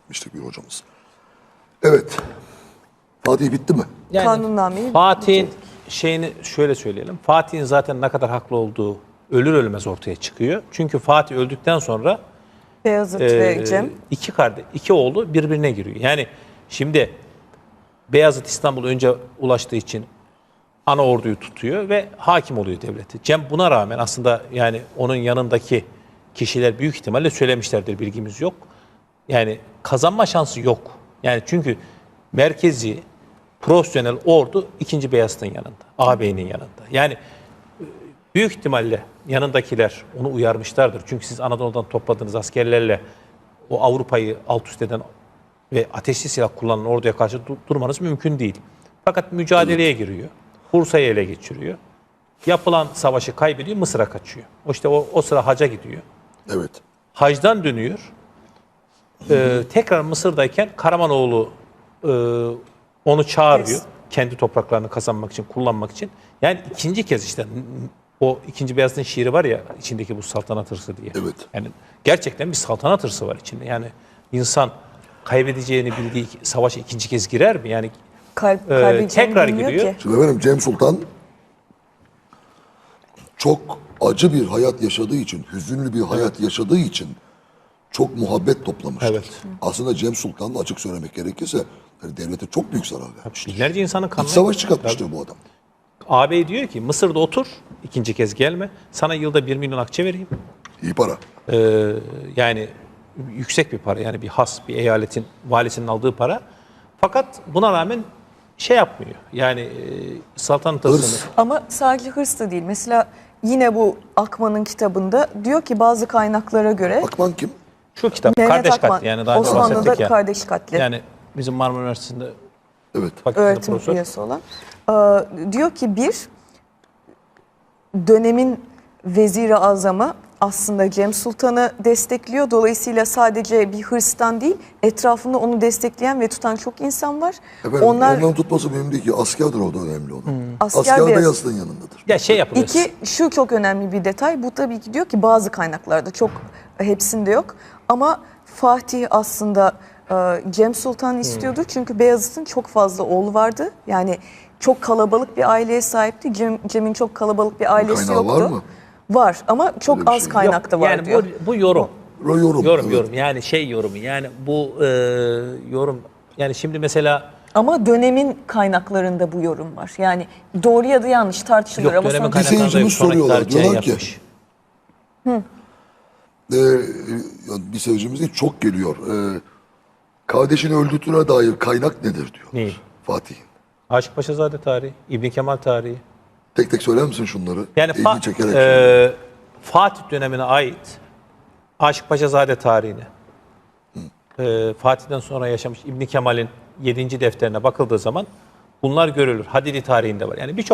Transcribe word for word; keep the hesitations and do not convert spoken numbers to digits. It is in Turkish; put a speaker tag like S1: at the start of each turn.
S1: etmiştik bir hocamız. Evet. Fatih bitti mi?
S2: Yani
S3: Kanunnameyi
S2: Fatih'in şeyini şöyle söyleyelim. Fatih'in zaten ne kadar haklı olduğu ölür ölmez ortaya çıkıyor. Çünkü Fatih öldükten sonra
S3: Beyazıt
S2: e,
S3: ve Cem.
S2: iki kardeş, iki oğlu birbirine giriyor. Yani şimdi Beyazıt İstanbul'a önce ulaştığı için ana orduyu tutuyor ve hakim oluyor devleti. Cem buna rağmen aslında yani onun yanındaki kişiler büyük ihtimalle söylemişlerdir, bilgimiz yok. Yani kazanma şansı yok. Yani çünkü merkezi profesyonel ordu ikinci Beyazıt'ın yanında, ağabeyinin yanında. Yani büyük ihtimalle yanındakiler onu uyarmışlardır. Çünkü siz Anadolu'dan topladığınız askerlerle o Avrupa'yı alt üst eden ve ateşli silah kullanan orduya karşı du- durmanız mümkün değil. Fakat mücadeleye giriyor. Bursa'yı ele geçiriyor. Yapılan savaşı kaybediyor, Mısır'a kaçıyor. O işte o, o sıra haca gidiyor.
S1: Evet.
S2: Hacdan dönüyor. Ee, tekrar Mısır'dayken Karamanoğlu e, onu çağırıyor.
S3: Yes.
S2: Kendi topraklarını kazanmak için, kullanmak için. Yani ikinci kez işte o ikinci Beyazıt'ın şiiri var ya içindeki bu saltanat hırsı diye.
S1: Evet.
S2: Yani gerçekten bir saltanat hırsı var içinde. Yani insan kaybedeceğini bildiği savaşa ikinci kez girer mi? Yani
S3: Kalp,
S2: Ee,
S3: kalbi
S2: tekrar
S3: Cem bilmiyor
S2: giriyor.
S3: ki.
S1: Şimdi efendim Cem Sultan çok acı bir hayat yaşadığı için, hüzünlü bir hayat yaşadığı için çok muhabbet toplamıştır.
S2: Evet.
S1: Aslında Cem Sultan açık söylemek gerekirse yani devlete çok büyük zarar vermiştir.
S2: binlerce insanın
S1: İç
S2: kanını...
S1: savaş çıkartmıştır bu adam.
S2: Ağabey diyor ki Mısır'da otur, ikinci kez gelme. Sana yılda bir milyon akçe vereyim.
S1: İyi para.
S2: Ee, yani yüksek bir para, yani bir has, bir eyaletin valisinin aldığı para. Fakat buna rağmen şey yapmıyor. Yani e, saltanat
S1: Hırs.
S2: hırsını...
S3: Ama sadece hırs da değil. Mesela yine bu Akman'ın kitabında diyor ki bazı kaynaklara göre
S1: Akman kim?
S2: Şu kitap
S3: Mehmet
S2: kardeş
S3: Akman,
S2: katli, yani daha önce
S3: Osmanlı'da
S2: bahsettik ya.
S3: kardeş katli.
S2: Yani bizim Marmara Üniversitesi'nde
S1: Evet.
S2: fakültede
S3: öğretim
S2: profesör.
S3: üyesi olan. Ee, diyor ki bir, dönemin veziri azamı aslında Cem Sultan'ı destekliyor. Dolayısıyla sadece bir hırstan değil, etrafında onu destekleyen ve tutan çok insan var.
S1: Efendim,
S3: Onlar
S1: onların tutması mühim değil ki. Askerdir orada önemli olan.
S3: Asker
S1: Asker
S3: Beyazıt.
S1: Beyazıt'ın yanındadır.
S2: Ya şey yapılıyor.
S3: İki, şu çok önemli bir detay. Bu tabii ki diyor ki bazı kaynaklarda, çok hepsinde yok. Ama Fatih aslında e, Cem Sultan istiyordu. Çünkü Beyazıt'ın çok fazla oğlu vardı. Yani çok kalabalık bir aileye sahipti. Cem, Cem'in çok kalabalık bir ailesi
S1: kaynağı
S3: yoktu.
S1: var mı?
S3: Var ama çok
S1: Öyle bir
S3: az
S1: şey.
S3: kaynakta
S2: Yok,
S3: var
S2: yani
S3: diyor.
S2: Bu, bu yorum.
S1: Ro- Yorum.
S2: Yorum
S1: evet.
S2: yorum yani şey yorumu, yani bu e, yorum, yani şimdi mesela
S3: Ama dönemin kaynaklarında bu yorum var. Yani doğru ya da yanlış tartışılır
S2: yok,
S3: ama
S2: dönemin
S3: sonuçta-
S1: Bir
S2: kaynaklarında
S1: seyircimiz
S2: sonraki
S1: soruyorlar,
S2: tarihçiler
S1: diyorlar ki-
S2: yapmış.
S1: Ee, yani bir seyircimiz değil, çok geliyor. Ee, kardeşini öldürdüğüne dair kaynak nedir diyor.
S2: Neyi?
S1: Fatih'in.
S2: Aşık Paşazade tarihi, İbn Kemal tarihi.
S1: Tek tek söyler misin şunları?
S2: Yani
S1: İlgi
S2: Fa-
S1: çekerek.
S2: e, Fatih dönemine ait Aşık Paşazade tarihine, e, Fatih'ten sonra yaşamış İbn Kemal'in yedinci defterine bakıldığı zaman bunlar görülür. Hadidi tarihinde var. Yani birçok